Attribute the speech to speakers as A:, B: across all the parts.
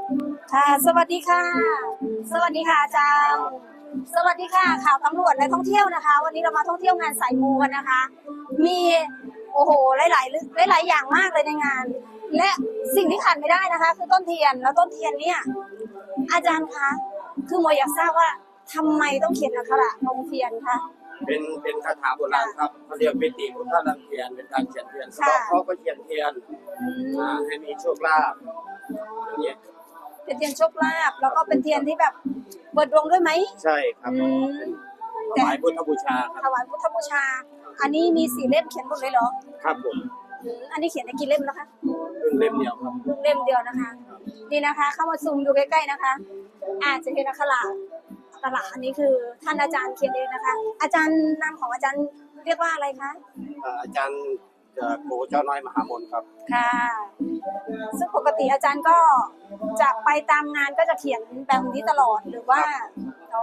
A: ค่ะ สวัสดีค่ะ สวัสดีค่ะอาจารย์สวัสดีค่ะข่าวตำรวจและท่องเที่ยวนะคะ วันนี้เรามาท่องเที่ยวงานสายมูกันนะคะ มีโอ้โหหลายอย่างมากเลยในงาน และสิ่งที่ขาดไม่ได้นะคะคือต้นเทียนแล้วต้นเทียนเนี่ยอาจารย์คะคือโมอยากทราบว่าทำไมต้องเขียนอักขระลงเทียนคะ
B: เป็นคาถาโบราณครับเขาเรียกปิติพุทธลังเทียนเป็นการเขียนเทียนสะเดาะเคราะห์ก็เขียนเทียนให้มีโชคลาภอย่างเงี้ย
A: เป็นเทียนโชคลาภแล้วก็เป็นเทียนที่แบบเปิดดวงด้วยไหม
B: ใช่ครับถวายพุทธบูชาครับ
A: ถวายพุทธบูชาอันนี้มี4 เล่มเขียนหมดเลยเหรอ
B: ครับผม
A: อันนี้เขียนได้กี่เล่มแล้วคะ
B: เล่มเดียวครับ
A: เล่มเดียวนะคะนี่นะคะเข้ามาซูมดูใกล้ๆนะคะจะเห็นอักขระอันนี้คือท่านอาจารย์เขียนเองนะคะอาจารย์นามของอาจารย์เรียกว่าอะไรคะ
B: อาจารย์โกเจ้าน้อยมหามนครับ
A: ค่ะซึ่งปกติอาจารย์ก็จะไปตามงานก็จะเขียนแบบนี้ตลอดหรือว่าอ๋อ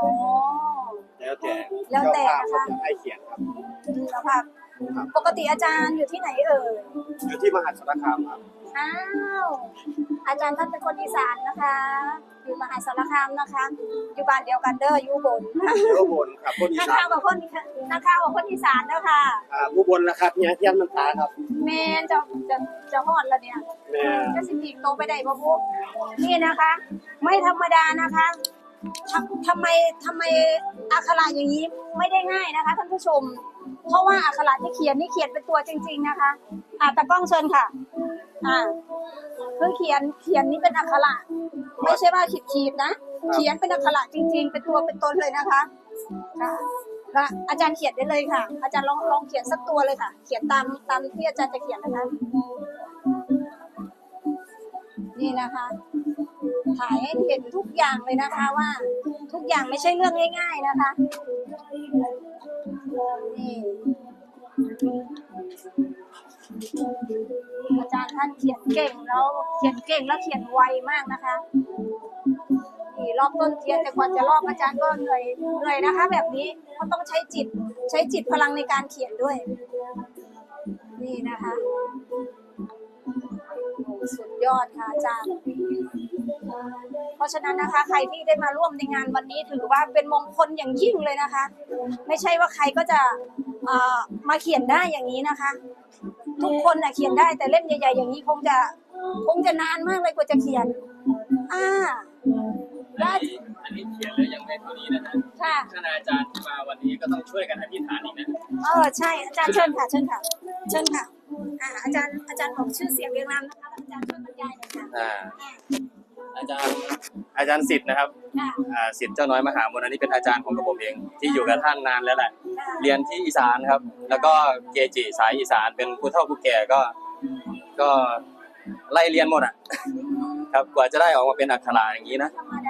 B: แล้วแต่นะคะให้เขียนครับ
A: แล้วค่ะปกติอาจารย์อยู่ที่ไหนเอ่ย
B: อยู่ที่มหาสารคามครับ
A: อ้าวอาจารย์ท่านเป็นคนอีสานนะคะอยู่มหาสารคามนะคะอยู่บ้านเดียวกันเด้ออยู่บน
B: อยู่บนครับคนอีสาน
A: ข้าวกับคนอีสานเด้อค่ะ
B: ผู้บนนะครับเนี่ยเทียนมันตาครับ
A: แม่จะฮอดแล้วเนี่ยจะสิปีกโตไปได้บ่พุนี่นะคะไม่ธรรมดานะคะทำไมอักขระอย่างนี้ไม่ได้ง่ายนะคะท่านผู้ชมเพราะว่าอักขระที่เขียนนี่เขียนเป็นตัวจริงๆนะคะตากล้องเชิญค่ะคือเขียนนี่เป็นอักขระไม่ใช่ว่าขีดนะเขียนเป็นอักขระจริงๆเป็นตัวเป็นตนเลยนะคะค่ะอาจารย์เขียนได้เลยค่ะอาจารย์ลองเขียนสักตัวเลยค่ะเขียนตามที่อาจารย์จะเขียนนะคะนี่นะคะถ่ายให้เห็นทุกอย่างเลยนะคะว่าทุกอย่างไม่ใช่เรื่องง่ายๆนะคะนี่อาจารย์ท่านเขียนเก่งแล้วเขียนไวมากนะคะนี่รอบต้นเทียนแต่กว่าจะรอบอาจารย์ก็เหนื่อยนะคะแบบนี้เขาต้องใช้จิตพลังในการเขียนด้วยนี่นะคะสุดยอดค่ะอาจารย์เพราะฉะนั้นนะคะใครที่ได้มาร่วมในงานวันนี้ถือว่าเป็นมงคลอย่างยิ่งเลยนะคะไม่ใช่ว่าใครก็จะมาเขียนได้อย่างนี้นะคะทุกคนเขียนได้แต่เล่มใหญ่ๆอย่างนี้คงจะนานมากเลยกว่าจะเขียน
B: อันนี้เขียนแล้วยังไม่เท่านี้นะฮะท่านอาจารย์ที่มาวันนี้ก็ต้องช่วยกันอธิษฐานอีกนะ
A: ใช่อาจารย์เชิญค่ะอาจารย์บอกชื่อเสียงเรียงนามนะคะอาจารย์ช่วยบรรยายหน่อยค่ะ
B: อาจารย์สิทธิ์นะครับสิทธิ์เจ้าน้อยมหามนอันนี้เป็นอาจารย์ของผมเองที่อยู่กับท่านนานแล้วแหละเรียนที่อีสานครับแล้วก็เกจิสายอีสานเป็นผู้เฒ่าผู้แก่ก็ไล่เรียนหมดครับกว่าจะได้ออกมาเป็นอักขระอย่างนี้นะ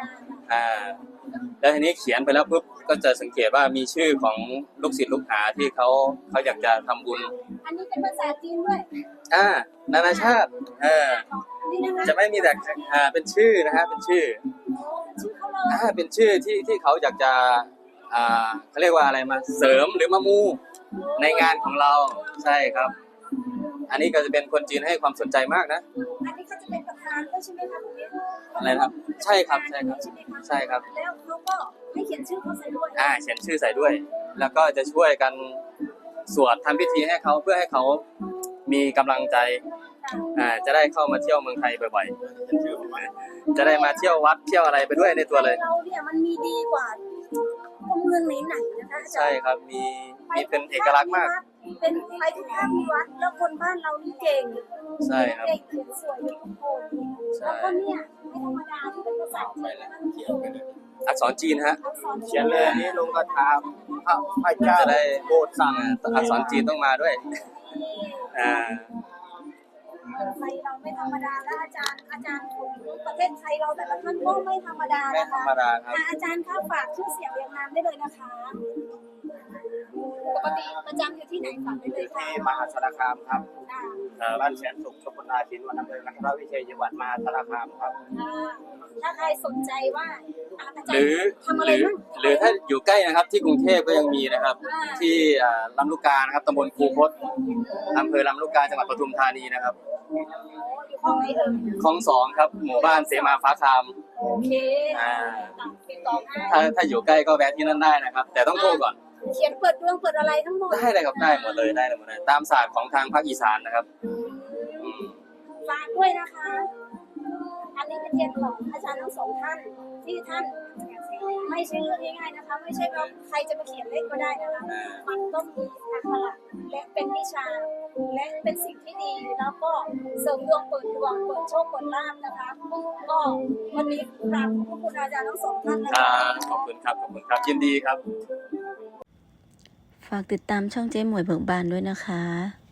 B: แล้วทีนี้เขียนไปแล้วปุ๊บก็จะสังเกตว่ามีชื่อของลูกศิษย์ลูกหาที่เขาอยากจะทำบุญ
A: อันนี้เป็นภาษาจีนด้วย
B: นานาชาติจะไม่มีแต่เป็นชื่อนะฮะเป็นชื่อเป็นชื่อที่เขาอยากจะเขาเรียกว่าอะไรมาเสริมหรือมามูในงานของเราใช่ครับอันนี้ก็จะเป็นคนจีนให้ความสนใจมากนะ
A: อันนี้เขาจะเป็นประธานด้วยใช่ไหมคะคุณ
B: อะไรครับใช่ครับแล้ว
A: เขาก็ให้เขียนชื่อเขาใส่ด้วย
B: เขียนชื่อใส่ด้วยแล้วก็จะช่วยกันสวดทำพิธีให้เขาเพื่อให้เขามีกำลังใจจะได้เข้ามาเที่ยวเมืองไทยบ่อยๆจะได้มาเที่ยววัดเที่ยวอะไรไปด้วยในตัวเลย
A: เราเนี่ยมันมีดีกว่าเมืองไหนๆนะคะ
B: ใช่ครับมีเป็นเอกลักษณ์มาก
A: เป็นไปทุกภาควัดแล้วคนบ้านเรานี่เก่ง
B: ใช่ครับ
A: เก่งเขียนสวยทุกคนแล้วก็เนี่ยไม่ธรรมดาที่เป็นภาษาจีน
B: อักษรจีนฮะ
A: เขี
B: ยนเลยนี้ลงกระถาพระเจ้าจะได้โบสถ์สั่งอักษรจีนต้องมาด้วย
A: ไทยเราไม่ธรรมดาแล้วอาจารย์ของประเทศไทยเราแต่ละท่านก็ไม่ธรรมดานะคะอาจารย์คะฝากชื่อเสียงเรียงนามได้เลยนะคะปกติประจำอยู่ที่ไหนฝากได้เลยค่ะ
B: ที่มหาสารคามครับบ้านแสนสุขตำบลนาชินวันอำเภอกันทรวิเชียรจังหวัดมหาสารคามครับ
A: ถ้าใครสนใจว่า
B: หรือถ้าอยู่ใกล้นะครับที่กรุงเทพก็ยังมีนะครับที่ลำลูกกานะครับตำบลคูคตอำเภอลำลูกกาจังหวัดปทุมธานีนะครับ
A: อยู่ห้องไหนเอ่ย
B: คลอง2ครับหมู่บ้านเสมาฟ้าคาม
A: โอเค ติดต่อง่าย
B: ถ้าอยู่ใกล้ก็แวะที่นั่นได้นะครับ แต่ต้องโทรก่อน
A: เขียนเปิดดวงเปิดอะไรทั้งหมด
B: ได้เลยครับได้หมดเลยได้หมดเลยตามศาสตร์ของทางภาคอีสานนะครับอืม
A: ฝากด้วยนะคะ อันนี้เป็นเทียนของอาจารย์ทั้งสองท่านที่ท่านไม่ใช่เรื่องง่ายๆนะคะ ไม่ใช่ว่าใครจะมาเขียนเลขก็ได้นะคะ มันต้องมีอักขระและเป็นวิชาและเป็นสิ่งที่ดีแล้วก็เสริมดวงเปิดดวงเปิดโชคเปิดลาภนะคะ ก็วันนี้กราบขอบคุณอาจารย์ทั้งสองท่านนะ
B: ครั
A: คะ
B: บขอบคุณครับขอบคุณครับยินดีครับ
C: ฝากติดตามช่องเจ๊หมวยเบิกบานด้วยนะคะ